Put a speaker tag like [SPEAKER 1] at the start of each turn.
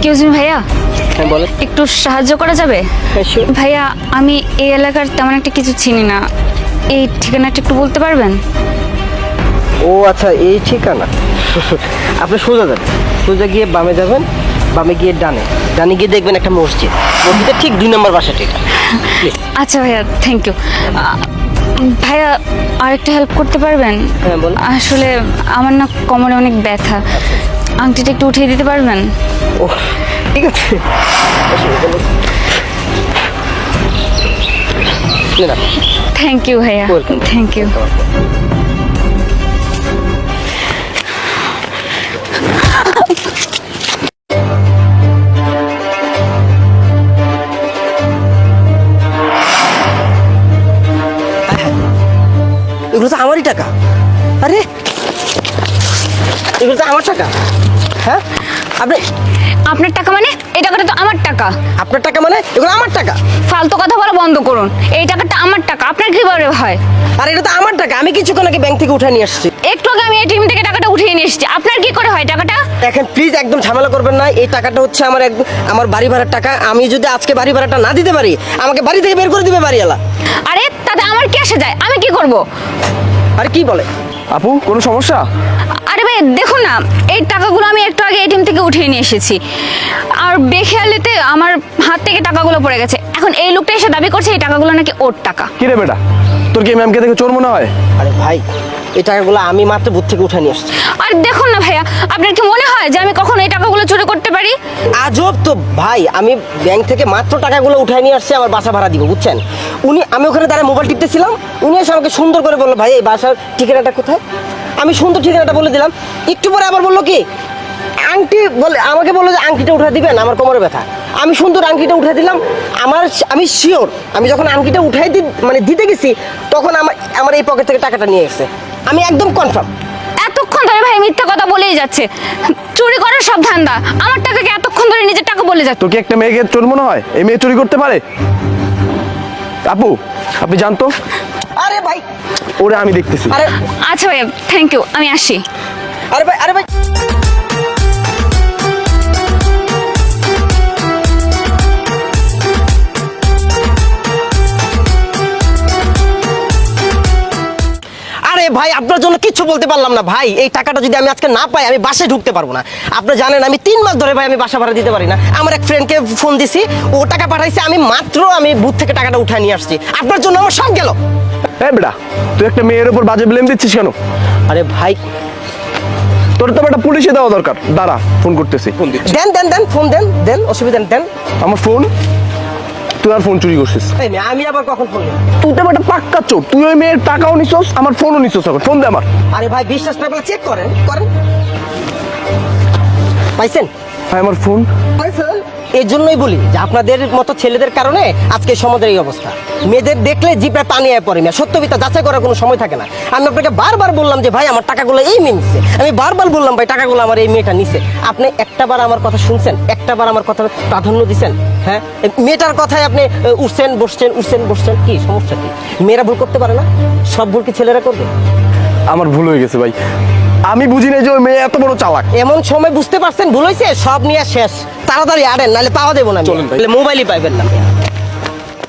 [SPEAKER 1] Excuse me ভাইয়া,
[SPEAKER 2] হ্যাঁ বলেন।
[SPEAKER 1] একটু সাহায্য করা যাবে?
[SPEAKER 2] হ্যাঁ sure।
[SPEAKER 1] ভাইয়া, আমি এই এলাকার তেমন একটা কিছু চিনি না, এই ঠিকানাটা একটু বলতে পারবেন?
[SPEAKER 2] ও আচ্ছা, এই ঠিকানা। আপনি সোজা যাবেন, সোজা গিয়ে বামে যাবেন, বামে গিয়ে ডানে, ডানে গিয়ে দেখবেন একটা মসজিদ, মসজিদের ঠিক 2 নম্বর বাসাটা এটা।
[SPEAKER 1] আচ্ছা ভাইয়া, থ্যাংক ইউ। ভাইয়া, আরেকটা হেল্প করতে পারবেন?
[SPEAKER 2] হ্যাঁ বলুন।
[SPEAKER 1] আসলে আমার না কোমরে অনেক ব্যথা, আংটিটা একটু উঠিয়ে দিতে পারবেন?
[SPEAKER 2] ও ঠিক আছে, অসুবিধা নেই। না,
[SPEAKER 1] থ্যাংক ইউ ভাইয়া,
[SPEAKER 2] Welcome.
[SPEAKER 1] Thank you.
[SPEAKER 2] এগুলো তো আমারই টাকা। আরে এগুলো তো আমার টাকা। হ্যাঁ আপনি,
[SPEAKER 1] আপনার টাকা মানে? এই টাকাটা তো আমার টাকা।
[SPEAKER 2] আপনার টাকা মানে? এগুলো আমার টাকা।
[SPEAKER 1] ফালতু কথা বলা বন্ধ করুন, এই টাকাটা আমার টাকা, আপনার কিভাবে হয়?
[SPEAKER 2] আর এটা তো আমার টাকা, আমি কিছুক্ষণ আগে ব্যাংক থেকে উঠে নিয়ে আসছি।
[SPEAKER 1] একটু আগে আমি এটিএম থেকে টাকাটা উঠিয়ে নিয়ে এসেছি, আপনার কি করে হয় টাকাটা?
[SPEAKER 2] দেখেন প্লিজ, একদম ঝামেলা করবেন না। এই টাকাটা হচ্ছে আমার আমার বাড়ি ভাড়ার টাকা। আমি যদি আজকে বাড়ি ভাড়াটা না দিতে পারি, আমাকে বাড়ি থেকে বের করে দিবে বাড়িওয়ালা।
[SPEAKER 1] আরে তাতে আমার কি আসে যায়, আমি কি করব?
[SPEAKER 2] আরে কি বলে?
[SPEAKER 3] আপু, কোনো সমস্যা?
[SPEAKER 1] আরে ভাই দেখুন না, এই টাকাগুলো আমি একটু আগে এটিএম থেকে উঠিয়ে নিয়ে এসেছি, আর বেখেয়ালিতে আমার হাত থেকে টাকাগুলো পড়ে গেছে। এখন এই লোকটা এসে দাবি করছে এই টাকাগুলো নাকি ওর টাকা।
[SPEAKER 3] কি রে বেটা, তোর কি ম্যামকে দেখে চোর মনে হয়?
[SPEAKER 2] আরে ভাই, এই টাকাগুলো আমি মাত্র বুথ থেকে উঠে নিয়ে আসছি।
[SPEAKER 1] আর দেখুন না ভাইয়া, আপনার কি মনে হয় যে আমি কখনো এই টাকাগুলো চুরি করতে পারি?
[SPEAKER 2] আজব তো ভাই, আমি ব্যাংক থেকে মাত্র টাকাগুলো উঠায় নিয়ে আসছি আমার বাসা ভাড়া দিব, বুঝছেন? আমি ওখানে দাঁড়ায় মোবাইল টিপতেছিলাম, উনি এসে আমাকে সুন্দর করে বললো, ভাই এই বাসার ঠিকানাটা কোথায়? আমি সুন্দর ঠিকানাটা বলে দিলাম। একটু পরে আবার বললো কি, আংটি বলে আমাকে বললো যে আংটিটা উঠে দিবেন, আমার কোমরে ব্যথা। আমি সুন্দর আংটিটা উঠে দিলাম। আমি শিওর, আমি যখন আংটিটা উঠাই দিতে গেছি, তখন আমার এই পকেট থেকে টাকাটা নিয়ে গেছে। আমি একদম কনফার্ম।
[SPEAKER 1] এতক্ষণ ধরে ভাই মিথ্যা কথা বলেই যাচ্ছে, চুরি করার সব ধান্দা। আমার টাকাকে এতক্ষণ ধরে নিজের টাকা বলে যাচ্ছে।
[SPEAKER 3] তোর কি একটা মেয়েকে চোর মনে হয়? এই মেয়ে চুরি করতে পারে? আপু, আপনি জানতো?
[SPEAKER 2] আরে ভাই,
[SPEAKER 3] ওরে আমি দেখতেছি।
[SPEAKER 2] আরে
[SPEAKER 1] আচ্ছা ভাইয়া, থ্যাংক ইউ, আমি আসি।
[SPEAKER 2] আরে ভাই, আরে ভাই। আরে ভাই, আপনার জন্য কিচ্ছু বলতে পারলাম না ভাই। এই টাকাটা যদি আমি আজকে না পাই, আমি বাসায় ঢুকতে পারবো না। আপনি জানেন আমি 3 মাস ধরে ভাই আমি বাসা ভাড়া দিতে পারি না। আমার এক ফ্রেন্ডকে ফোন দিছি, ও টাকা পাঠাইছে, আমি বুথ থেকে টাকাটা উঠায় নিয়ে আসছি। আপনার জন্য আমার সব গেল।
[SPEAKER 3] এই বেটা, তুই একটা মেয়ের উপর বাজে ব্লেম দিচ্ছিস কেন?
[SPEAKER 2] আরে ভাই,
[SPEAKER 3] তোর তো একটা পুলিশে দেওয়া দরকার। দাঁড়া, ফোন করতেছি। ফোন দিচ্ছি।
[SPEAKER 2] দেন ফোন দেন, অসুবিধা নেই, দেন।
[SPEAKER 3] আমার ফোন? তুই আর ফোন চুরি করছিস?
[SPEAKER 2] এই মেয়ে, আমি আবার কখন ফোন দিলাম?
[SPEAKER 3] তুই তো একটা পাক্কা চোর। তুই ওই মেয়ের টাকাও নিছস, আমার ফোনও নিছস। এখন ফোন দে আমার।
[SPEAKER 2] আরে ভাই, বিশ্বাস না করলে চেক করেন। পাইছেন?
[SPEAKER 3] হ্যাঁ, আমার ফোন।
[SPEAKER 2] এই জন্যই বলি যে আপনাদের মতো ছেলেদের কারণে আজকে সমাজের এই অবস্থা। মেয়েদের দেখলে জিপে পানি আয় পড়ে। সত্যবিতা যাচাই করার কোনো সময় থাকে না। আমি আপনাকে বারবার বললাম যে ভাই আমার টাকাগুলো এই মেয়ে নিচ্ছে। আমি বারবার বললাম ভাই টাকাগুলো আমার এই মেয়েটা নিচ্ছে। আপনি একটাবার আমার কথা শুনছেন? একটাবার আমার কথা প্রাধান্য দিচ্ছেন? হ্যাঁ, মেয়েটার কথায় আপনি উঠছেন বসছেন। কি সমস্যা কি? মেয়েরা ভুল করতে পারে না? সব ভুল কি ছেলেরা করবে?
[SPEAKER 3] আমার ভুল হয়ে গেছে ভাই। আমি বুঝি না যে ওই মেয়ে এত বড় চালাক।
[SPEAKER 2] এমন সময় বুঝতে পারছেন ভুল হয়েছে, সব নিয়ে শেষ। তাড়াতাড়ি আড়েন, নাহলে পাওয়া দেবো না।
[SPEAKER 3] চলেন ভাই।
[SPEAKER 2] মোবাইলই পাইবেন না।